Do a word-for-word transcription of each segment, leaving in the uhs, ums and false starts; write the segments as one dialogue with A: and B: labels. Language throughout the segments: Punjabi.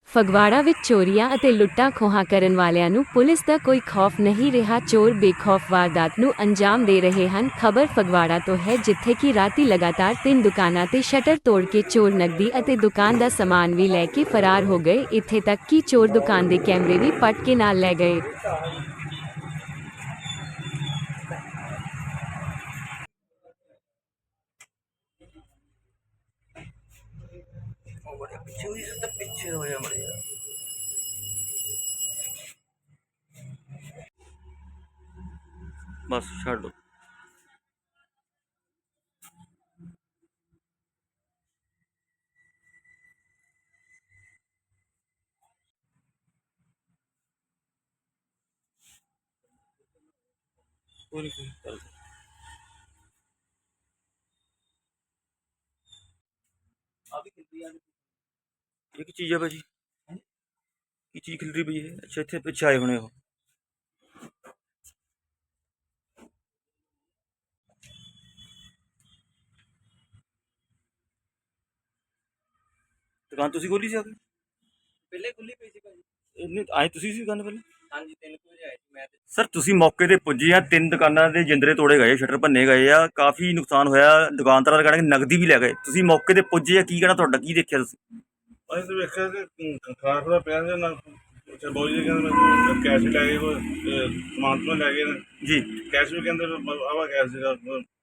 A: ਫਗਵਾੜਾ ਵਿੱਚ ਚੋਰੀਆਂ ਅਤੇ ਲੁੱਟਾਂ ਖੋਹਾਂ ਕਰਨ ਵਾਲਿਆਂ ਨੂੰ ਪੁਲਿਸ ਦਾ ਕੋਈ ਖੌਫ ਨਹੀਂ ਰਿਹਾ। ਚੋਰ ਬੇਖੌਫ ਵਾਰਦਾਤ ਨੂੰ ਅੰਜਾਮ ਦੇ ਰਹੇ ਹਨ। ਖਬਰ ਫਗਵਾੜਾ ਤੋਂ ਹੈ, ਜਿੱਥੇ ਕਿ ਰਾਤੀ ਲਗਾਤਾਰ ਤਿੰਨ ਦੁਕਾਨਾਂ ਤੇ ਸ਼ਟਰ ਤੋੜ ਕੇ ਚੋਰ ਨਕਦੀ ਅਤੇ ਦੁਕਾਨ ਦਾ ਸਮਾਨ ਵੀ ਲੈ ਕੇ ਫਰਾਰ ਹੋ ਗਏ। ਇੱਥੇ ਤੱਕ ਕਿ ਚੋਰ ਦੁਕਾਨ ਦੇ ਕੈਮਰੇ ਵੀ ਪੱਟ ਕੇ ਨਾਲ ਲੈ ਗਏ।
B: ਪਿੱਛੇ ਹੋਈ ਸੀ ਤਾਂ ਪਿੱਛੇ ਹੋਇਆ ਮਰਿਆ। ਬਸ ਛੱਡ ਦੋ। ਕੋਈ ਨਹੀਂ ਚੱਲ ਆ ਵੀ ਖਿਲਰੀ ਆ। ਇਹ ਕੀ ਚੀਜ਼ ਹੈ ਭਾਜੀ? ਕੀ ਚੀਜ਼ ਖਿਲਰੀ ਪਈ ਹੈ? ਅੱਛਾ, ਇੱਥੇ ਪਿੱਛੇ ਆਏ ਹੋਣੇ ਉਹ। ਦੁਕਾਨ ਤੁਸੀਂ ਖੋਲੀ ਸੀ ਆ ਕੇ?
C: ਪਹਿਲੇ ਖੁੱਲੀ ਪਈ ਸੀ ਭਾਜੀ।
B: ਇਹਨੇ ਆਏ ਤੁਸੀਂ ਸੀ ਦੁਕਾਨ ਪਹਿਲੇ?
C: ਹਾਂਜੀ, ਤਿੰਨ ਕੁ ਵਜੇ ਆਏ ਸੀ ਮੈਂ ਤੇ।
B: ਸਰ ਤੁਸੀਂ ਮੌਕੇ ਤੇ ਪੁੱਜੇ ਆ, ਤਿੰਨ ਦੁਕਾਨਾਂ ਦੇ ਜਿੰਦਰੇ ਤੋੜੇ ਗਏ, ਸ਼ਟਰ ਭੰਨੇ ਗਏ ਆ, ਕਾਫੀ ਨੁਕਸਾਨ ਹੋਇਆ। ਦੁਕਾਨਦਾਰਾਂ ਦਾ ਕਹਿਣਾ ਕਿ ਨਗਦੀ ਵੀ ਲੈ ਗਏ। ਤੁਸੀਂ ਮੌਕੇ ਤੇ ਪੁੱਜੇ ਆ, ਕੀ ਕਹਿਣਾ ਤੁਹਾਡਾ? ਕੀ ਦੇਖਿਆ ਤੁਸੀਂ?
D: ਅਸੀਂ ਤਾਂ ਵੇਖਿਆ ਕਿ ਖਾਣਾ ਖੁਣਾ ਪਿਆ ਸੀ ਨਾ। ਅੱਛਾ, ਬੋਝ ਜੀ ਕਹਿੰਦੇ ਮੈਨੂੰ ਕੈਸ਼ ਵੀ ਲੈ ਗਏ, ਕੋਈ ਸਮਾਨ ਤੋਂ ਲੈ ਗਏ ਨੇ
B: ਜੀ।
D: ਕੈਸ਼ ਵੀ ਕਹਿੰਦੇ ਆਵਾ ਕੈਸ਼ ਸੀਗਾ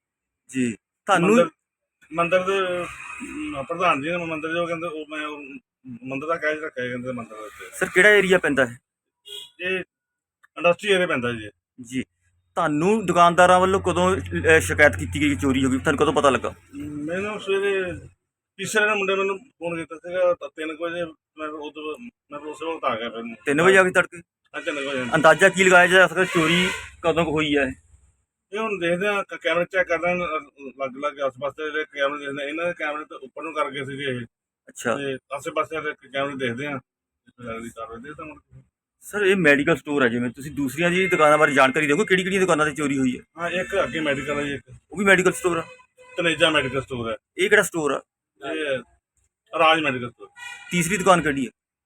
B: ਜੀ ਤੁਹਾਨੂੰ
D: ਮੰਦਰ ਮੰਦਰ ਦੇ ਅਮ, ਪ੍ਰਧਾਨ ਜੀ ਨੇ ਮੰਦਰ ਜੋ ਕਹਿੰਦੇ ਉਹ ਮੈਂ ਉਹ ਮੰਦਰ ਦਾ ਕੈਸ਼ ਰੱਖਿਆ ਕਹਿੰਦੇ ਮੰਦਰ ਦੇ ਉੱਤੇ।
B: ਸਰ ਕਿਹੜਾ ਏਰੀਆ ਪੈਂਦਾ ਹੈ?
D: ਇਹ ਇੰਡਸਟਰੀ ਏਰੀਆ ਪੈਂਦਾ ਜੀ।
B: ਜੀ ਤੁਹਾਨੂੰ ਦੁਕਾਨਦਾਰਾਂ ਵੱਲੋਂ ਕਦੋਂ ਅਹ, ਸ਼ਿਕਾਇਤ ਕੀਤੀ ਗਈ ਕਿ ਚੋਰੀ ਹੋ ਗਈ? ਤੁਹਾਨੂੰ ਕਦੋਂ ਪਤਾ ਲੱਗਾ?
D: ਮੈਨੂੰ ਸਵੇਰੇ ਤੀਸਰੇ ਨੇ ਮੁੰਡੇ ਮੈਨੂੰ ਫੋਨ ਕੀਤਾ ਸੀਗਾ ਤਾਂ ਤਿੰਨ ਕੁ ਵਜੇ। ਮੈਂ ਉਦੋਂ ਮੈਂ ਉਸੇ ਵਕਤ ਆ ਗਿਆ। ਫਿਰ
B: ਤਿੰਨ ਵਜੇ ਆ ਕੇ ਤੜਕੇ?
D: ਹਾਂ, ਤਿੰਨ ਕੁ ਵਜੇ।
B: ਅੰਦਾਜ਼ਾ ਕੀ ਲਗਾਇਆ ਜਾ ਸਕਦਾ ਚੋਰੀ ਕਦੋਂ ਕੁ ਹੋਈ ਹੈ?
D: ਇਹ ਹੁਣ ਦੇਖਦੇ ਆ, ਕੈਮਰੇ ਚੈੱਕ ਕਰਦੇ ਆ, ਲੱਗ ਲੱਗ ਆਸ ਪਾਸੇ ਜਿਹੜੇ ਕੈਮਰੇ ਦੇਖਦੇ ਆ। ਇਹਨਾਂ ਦੇ ਕੈਮਰੇ ਤਾਂ ਉੱਪਰ ਨੂੰ ਕਰਕੇ ਸੀਗੇ ਇਹ,
B: ਅੱਛਾ
D: ਤੇ ਆਸੇ ਪਾਸੇ ਦੇ ਕੈਮਰੇ ਦੇਖਦੇ ਆ, ਲੱਗਦੀ ਕਾਰਵਾਈ ਦੇ ਤਾਂ ਹੁਣ।
B: ਸਰ ਇਹ ਮੈਡੀਕਲ ਸਟੋਰ ਹੈ, ਜਿਵੇਂ ਤੁਸੀਂ ਦੂਸਰੀਆਂ ਜੀ ਦੁਕਾਨਾਂ ਬਾਰੇ ਜਾਣਕਾਰੀ ਦਿਓਗੇ, ਕਿਹੜੀ ਕਿਹੜੀਆਂ ਦੁਕਾਨਾਂ ਤੇ ਚੋਰੀ ਹੋਈ ਹੈ?
D: ਹਾਂ, ਇੱਕ ਅੱਗੇ ਮੈਡੀਕਲ ਹੈ ਜੀ, ਇੱਕ
B: ਉਹ ਵੀ ਮੈਡੀਕਲ ਸਟੋਰ ਆ?
D: ਤਨੇਜਾ ਮੈਡੀਕਲ ਸਟੋਰ ਹੈ।
B: ਇਹ ਕਿਹੜਾ ਸਟੋਰ ਆ?
D: ਇਹ ਰਾਜ ਮੈਡੀਕਲ ਸਟੋਰ।
B: ਤੀਸਰੀ ਦੁਕਾਨ ਕਿਹੜੀ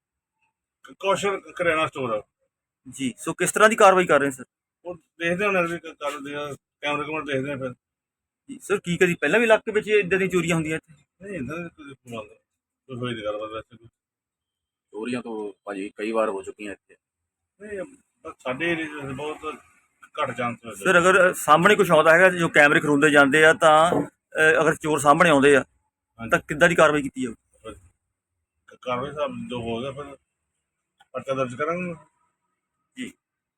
B: ਹੈ?
D: ਕੌਸ਼ਲ ਕਰਿਆਨਾ ਸਟੋਰ ਆ
B: ਜੀ। ਸੋ ਕਿਸ ਤਰ੍ਹਾਂ ਦੀ ਕਾਰਵਾਈ ਕਰ ਰਹੇ ਸਰ?
D: ਉਹ ਦੇਖਦੇ ਹੁਣ ਅਗਲੀ ਕਰਦੇ ਆ, ਕੈਮਰੇ ਕੈਮਰੇ ਦੇਖਦੇ ਆ ਫਿਰ।
B: ਜੀ ਸਰ, ਕੀ ਕਦੀ ਪਹਿਲਾਂ ਵੀ ਇਲਾਕੇ ਵਿੱਚ ਇਦਾਂ ਦੀਆਂ ਚੋਰੀਆਂ ਹੁੰਦੀਆਂ ਇੱਥੇ?
D: ਨਹੀਂ ਇੱਦਾਂ ਦੀ ਕੋਈ ਗੱਲ ਨਹੀਂ, ਕੋਈ ਹੋਈ ਦੀ ਗੱਲਬਾਤ ਵੈਸੇ ਕੋਈ।
C: ਚੋਰੀਆਂ ਤੋਂ ਭਾਜੀ ਕਈ ਵਾਰ ਹੋ ਚੁੱਕੀਆਂ ਇੱਥੇ।
D: ਨਹੀਂ, ਬਸ ਸਾਡੇ ਏਰੀਏ 'ਚ ਬਹੁਤ ਘੱਟ ਚਾਂਸ ਹੋਏ।
B: ਸਰ ਅਗਰ ਸਾਹਮਣੇ ਕੁਛ ਆਉਂਦਾ ਹੈਗਾ, ਜੋ ਕੈਮਰੇ ਖਰੁੰਦੇ ਜਾਂਦੇ ਆ, ਤਾਂ ਅਹ, ਅਗਰ ਚੋਰ ਸਾਹਮਣੇ ਆਉਂਦੇ ਆ ਤਾਂ ਕਿੱਦਾਂ ਦੀ ਕਾਰਵਾਈ ਕੀਤੀ ਜਾਊ?
D: ਕਾਰਵਾਈ ਸਾਹਿਬ ਜੋ ਹੋ ਗਿਆ ਫਿਰ ਪਰਚਾ ਦਰਜ ਕਰਾਂਗੇ
B: ਜੀ।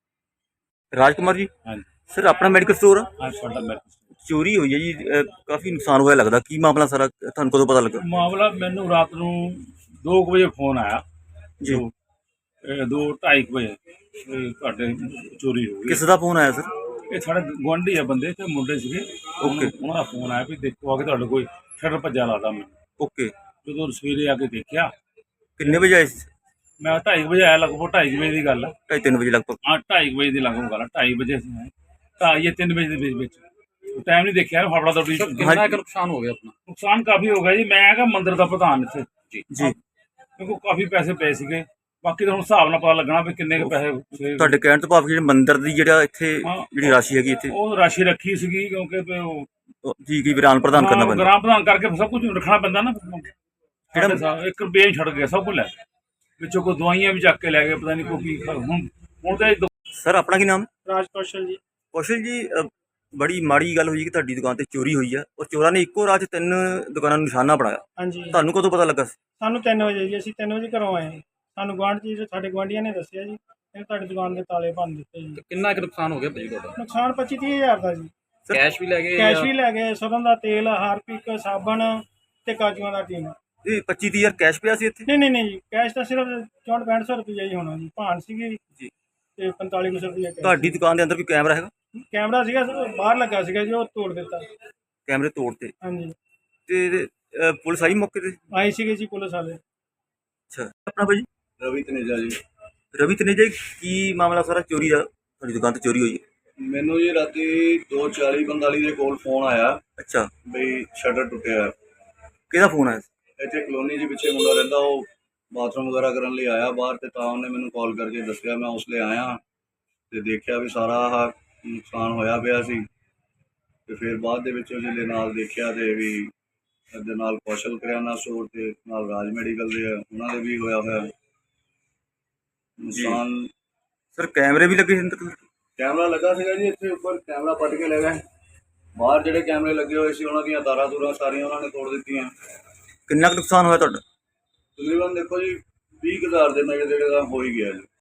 B: ਰਾਜਕੁਮਾਰ ਜੀ,
D: ਹਾਂਜੀ।
B: ਸਰ ਆਪਣਾ ਮੈਡੀਕਲ ਸਟੋਰ ਆ?
D: ਹਾਂ, ਸਾਡਾ ਮੈਡੀਕਲ
B: ਚੋਰੀ ਹੋਈ ਹੈ ਜੀ, ਅਹ, ਕਾਫੀ ਨੁਕਸਾਨ ਹੋਇਆ ਲੱਗਦਾ। ਕੀ ਮਾਮਲਾ ਸਾਰਾ, ਤੁਹਾਨੂੰ ਕਦੋਂ ਪਤਾ ਲੱਗਾ?
E: ਮਾਮਲਾ ਮੈਨੂੰ ਰਾਤ ਨੂੰ ਦੋ ਕੁ ਵਜੇ ਫੋਨ ਆਇਆ
B: ਜੀ।
E: ਦੋ ਇਹ ਦੋ ਢਾਈ ਕੁ ਵਜੇ ਵੀ ਤੁਹਾਡੇ ਚੋਰੀ ਹੋ ਗਈ।
B: ਕਿਸ ਦਾ ਫੋਨ ਆਇਆ ਸਰ?
E: ਇਹ ਸਾਡੇ ਗੁਆਂਢੀ ਆ ਬੰਦੇ ਤੇ ਮੁੰਡੇ ਸੀਗੇ।
B: ਓਕੇ।
E: ਉਹਨਾਂ ਦਾ ਫੋਨ ਆਇਆ ਵੀ ਦੇਖੋ ਆ ਕੇ ਤੁਹਾਡੇ ਕੋਈ ਸ਼ਟਰ ਭੱਜਾ ਲੱਗਦਾ। ਮੈਨੂੰ
B: ਓਕੇ।
E: ਜਦੋਂ ਸਵੇਰੇ ਆ ਕੇ ਦੇਖਿਆ,
B: ਕਿੰਨੇ ਵਜੇ ਆਏ ਸੀ?
E: ਮੈਂ ਢਾਈ ਕੁ ਵਜੇ ਆਇਆ, ਲਗਭਗ ਢਾਈ ਕੁ ਵਜੇ ਦੀ ਗੱਲ ਆ।
B: ਢਾਈ ਤਿੰਨ ਵਜੇ ਲਗਭਗ?
E: ਹਾਂ, ਢਾਈ ਕੁ ਵਜੇ ਦੀ ਲਗਭਗ ਗੱਲ ਆ। ਢਾਈ ਵਜੇ ਅਸੀਂ ਆਏ, ਢਾਈ ਜਾਂ ਤਿੰਨ ਵਜੇ ਦੇ ਵਿੱਚ ਵਿੱਚ ਟਾਈਮ ਨਹੀਂ ਦੇਖਿਆ। ਫਾਫੜਾ ਦੌੜੀ
C: ਕਿੰਨਾ ਕੁ ਨੁਕਸਾਨ ਹੋ ਗਿਆ ਆਪਣਾ?
E: ਨੁਕਸਾਨ ਕਾਫੀ ਹੋ ਗਿਆ ਜੀ। ਮੈਂ ਹੈਗਾ ਮੰਦਿਰ ਦਾ ਪ੍ਰਧਾਨ ਇੱਥੇ
C: ਜੀ
B: ਜੀ।
E: ਕਿਉਂਕਿ ਕਾਫੀ ਪੈਸੇ ਪਏ ਸੀਗੇ। ਬਾਕੀ ਤਾਂ ਹੁਣ ਹਿਸਾਬ ਨਾਲ ਪਤਾ ਲੱਗਣਾ ਵੀ ਕਿੰਨੇ ਕੁ ਪੈਸੇ ਸੀਗੇ।
B: ਤੁਹਾਡੇ ਕਹਿਣ ਤੋਂ ਭਾਵ ਜਿਹੜੇ ਮੰਦਿਰ ਦੀ ਜਿਹੜਾ ਇੱਥੇ
E: ਹਾਂ।
B: ਜਿਹੜੀ ਰਾਸ਼ੀ ਹੈਗੀ ਇੱਥੇ,
E: ਉਹ ਰਾਸ਼ੀ ਰੱਖੀ ਸੀਗੀ ਕਿਉਂਕਿ ਵੀ ਉਹ
B: ਉਹ ਜੀ ਕੀ ਵਿਰਾਨ ਪ੍ਰਦਾਨ ਕਰਨਾ ਪੈਂਦਾ?
E: ਗ੍ਰਾਮ ਪ੍ਰਧਾਨ ਕਰਕੇ ਸਭ ਕੁਝ ਰੱਖਣਾ ਪੈਂਦਾ ਨਾ।
B: ਕਿਹੜਾ-
E: ਸਾਡੇ ਸਾਹਿਬ ਇੱਕ ਰੁਪਏ ਛੱਡ ਗਿਆ, ਸਭ ਕੁਝ ਲੈ ਗਏ। ਵਿੱਚੋਂ ਕੋਈ ਦਵਾਈਆਂ ਵੀ ਚੱਕ ਕੇ ਲੈ ਗਏ, ਪਤਾ ਨਹੀਂ ਕੋਈ ਕੀ। ਹੁਣ ਹੁਣ ਤਾਂ ਇਹ ਦੋ-
B: ਸਰ ਆਪਣਾ ਕੀ ਨਾਮ?
F: ਰਾਜ ਕੌਸ਼ਲ ਜੀ।
B: ਕੌਸ਼ਲ ਜੀ, ਅ, ਬੜੀ ਮਾੜੀ ਗੱਲ ਹੋਈ ਕਿ ਤੁਹਾਡੀ ਦੁਕਾਨ ਤੇ ਚੋਰੀ ਹੋਈ ਆ, ਔਰ ਚੋਰਾਂ ਨੇ ਇੱਕੋ ਰਾਤ 'ਚ ਤਿੰਨ ਦੁਕਾਨਾਂ ਨੂੰ ਨਿਸ਼ਾਨਾ ਬਣਾਇਆ।
F: ਹਾਂਜੀ,
B: ਤੁਹਾਨੂੰ ਕਦੋਂ ਪਤਾ ਲੱਗਾ ਸੀ?
F: ਸਾਨੂੰ ਤਿੰਨ ਵਜੇ ਜੀ, ਅਸੀਂ ਤਿੰਨ ਵਜੇ ਘਰੋਂ ਆਏ। ਸਾਨੂੰ ਗੁਆਂਢ ਜੀ ਸਾਡੇ ਗੁਆਂਢੀਆਂ ਨੇ ਦੱਸਿਆ ਜੀ, ਇਹ ਤੁਹਾਡੀ ਦੁਕਾਨ ਦੇ ਤਾਲੇ ਭੰਨ ਦਿੱਤੇ ਜੀ।
C: ਤੇ ਕਿੰਨਾ ਕੁ ਨੁਕਸਾਨ ਹੋ ਗਿਆ ਭਾਜੀ ਤੁਹਾਡਾ?
F: ਨੁਕਸਾਨ ਪੱਚੀ ਤੀਹ ਹਜ਼ਾਰ ਦਾ ਜੀ।
C: ਕੈਸ਼ ਵੀ ਲੈ ਗਏ
F: ਕੈਸ਼
C: ਜਾਂ-
F: ਵੀ ਲੈ ਗਏ, ਸਰੋਂ ਦਾ ਤੇਲ, ਹਾਰਪਿਕ, ਸਾਬਣ ਤੇ ਕਾਜੂਆਂ ਦਾ ਟੀਨ।
B: ਇਹ ਪੱਚੀ ਤੀਹ ਹਜ਼ਾਰ ਕੈਸ਼ ਪਿਆ ਸੀ ਇੱਥੇ?
F: ਨਹੀਂ ਨਹੀਂ ਨਹੀਂ ਜੀ, ਕੈਸ਼ ਤਾਂ ਸਿਰਫ ਚੌਂਹਠ ਪੈਂਹਠ ਸੌ ਰੁਪਈਆ ਹੀ ਹੋਣਾ ਜੀ। ਭਾਨ ਸੀਗੀ
B: ਜੀ।
F: ਤੇ ਪੰਤਾਲੀ ਕੁ ਸੌ ਰੁਪਈਆ ਕੈਸ਼।
B: ਤੁਹਾਡੀ ਦੁਕਾਨ ਦੇ ਅੰਦਰ ਕੋਈ ਕੈਮਰਾ ਹੈਗਾ?
F: ਕੈਮਰਾ ਸੀਗਾ ਬਾਹਰ ਲੱਗਾ ਸੀਗਾ ਜੀ, ਉਹ ਤੋੜ ਦਿੱਤਾ।
B: ਕੈਮਰੇ ਤੋੜਤੇ
F: ਹਾਂਜੀ,
B: ਤੇ ਅ, ਪੁਲਿਸ ਆਈ ਮੌਕੇ ਤੇ?
F: ਆਏ ਸੀਗੇ ਜੀ ਪੁਲਿਸ ਵਾਲੇ।
B: ਅੱਛਾ, ਆਪਣਾ ਭਾਜੀ?
D: ਰਵੀ ਤਨੇਜਾ ਜੀ।
B: ਰਵੀ ਤਨੇਜਾ ਜੀ, ਕੀ ਮਾਮਲਾ ਸਾਰਾ ਚੋਰੀ ਦਾ? ਤੁਹਾਡੀ ਦੁਕਾਨ ਤੇ ਚੋਰੀ ਹੋਈ ਹੈ?
G: ਮੈਨੂੰ ਜੀ ਰਾਤੀ ਦੋ ਚਾਲੀ ਪੰਤਾਲੀ ਦੇ ਕੋਲ ਫੋਨ ਆਇਆ
B: ਅੱਛਾ,
G: ਬਈ ਸ਼ਟਰ ਟੁੱਟਿਆ।
B: ਕਿਹਦਾ ਫੋਨ ਆਇਆ ਸੀ?
G: ਇੱਥੇ ਕਲੋਨੀ ਦੇ ਪਿੱਛੇ ਮੁੰਡਾ ਰਹਿੰਦਾ, ਉਹ ਬਾਥਰੂਮ ਵਗੈਰਾ ਕਰਨ ਲਈ ਆਇਆ ਬਾਹਰ, ਤੇ ਤਾਂ ਉਹਨੇ ਮੈਨੂੰ ਕਾਲ ਕਰਕੇ ਦੱਸਿਆ। ਮੈਂ ਉਸ ਲਈ ਆਇਆ ਤੇ ਦੇਖਿਆ ਵੀ ਸਾਰਾ ਆਹ ਨੁਕਸਾਨ ਹੋਇਆ ਪਿਆ ਸੀ। ਤੇ ਫਿਰ ਬਾਅਦ ਦੇ ਵਿੱਚ ਜਿਹਦੇ ਨਾਲ ਦੇਖਿਆ ਤੇ ਵੀ ਇਹਦੇ ਨਾਲ ਕੌਸ਼ਲ ਕਰਿਆਨਾ ਸਟੋਰ ਤੇ ਨਾਲ ਰਾਜ ਮੈਡੀਕਲ ਦੇ ਆ, ਉਹਨਾਂ ਦੇ ਵੀ ਹੋਇਆ ਹੋਇਆ ਨੁਕਸਾਨ।
B: ਸਰ ਕੈਮਰੇ ਵੀ ਲੱਗੇ ਸੀ ਅੰਦਰ?
G: ਕੈਮਰਾ ਲੱਗਾ ਸੀਗਾ ਜੀ ਇੱਥੇ ਉੱਪਰ, ਕੈਮਰਾ ਪੱਟ ਕੇ ਲੈ ਗਏ। ਬਾਹਰ ਜਿਹੜੇ ਕੈਮਰੇ ਲੱਗੇ ਹੋਏ ਸੀ ਉਹਨਾਂ ਦੀਆਂ ਤਾਰਾਂ ਤੂਰਾਂ ਸਾਰੀਆਂ ਉਹਨਾਂ ਨੇ ਤੋੜ ਦਿੱਤੀਆਂ।
B: ਕਿੰਨਾ ਕੁ ਨੁਕਸਾਨ ਹੋਇਆ ਤੁਹਾਡਾ?
G: ਤਕਰੀਬਨ ਦੇਖੋ ਜੀ ਵੀਹ ਕੁ ਹਜ਼ਾਰ ਦੇ ਨੇੜੇ ਤੇੜੇ ਦਾ ਹੋ ਹੀ ਗਿਆ ਜੀ।